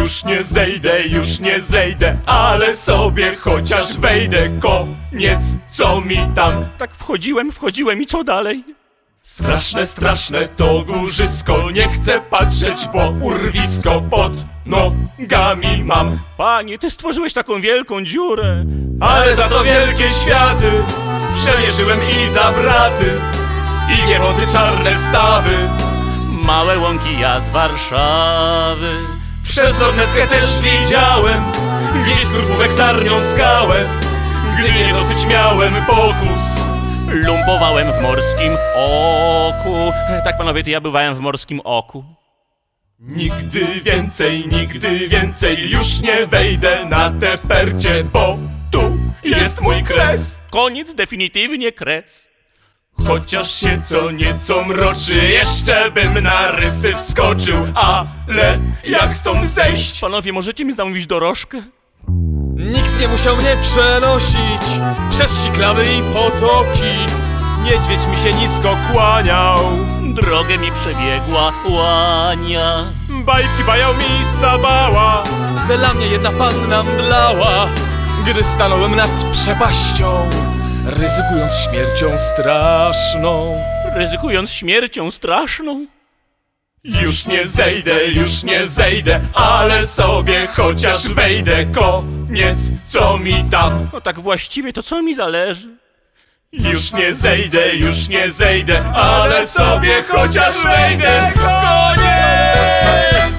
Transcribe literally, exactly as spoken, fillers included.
już nie zejdę, już nie zejdę, ale sobie chociaż wejdę. Koniec, co mi tam? Tak wchodziłem, wchodziłem i co dalej? Straszne, straszne to górzysko, nie chcę patrzeć, bo urwisko pod nogami mam. Panie, ty stworzyłeś taką wielką dziurę. Ale za to wielkie światy przemierzyłem i zawraty, i niewody czarne stawy. Małe łąki ja z Warszawy. Przez lornetkę też widziałem gdzieś skorupówek sarnią skałę. Gdy nie dosyć miałem pokus, Lumpowałem w Morskim Oku. Tak, panowie, to ja bywałem w Morskim Oku. nigdy więcej, nigdy więcej już nie wejdę na te percie, bo tu jest mój kres. Koniec, definitywnie kres. Chociaż się co nieco mroczy, jeszcze bym na rysy wskoczył. Ale jak stąd zejść? Panowie, możecie mi zamówić dorożkę? Nikt nie musiał mnie przenosić przez siklawy i potoki. Niedźwiedź mi się nisko kłaniał, Drogę mi przebiegła łania. bajki bajał mi Sabała. Dla mnie jedna panna mdlała, gdy stanąłem nad przepaścią, ryzykując śmiercią straszną. Ryzykując śmiercią straszną. Już nie zejdę, już nie zejdę, ale sobie chociaż wejdę. Koniec, co mi tam? No tak właściwie to co mi zależy? Już nie zejdę, już nie zejdę, ale sobie chociaż wejdę. Koniec!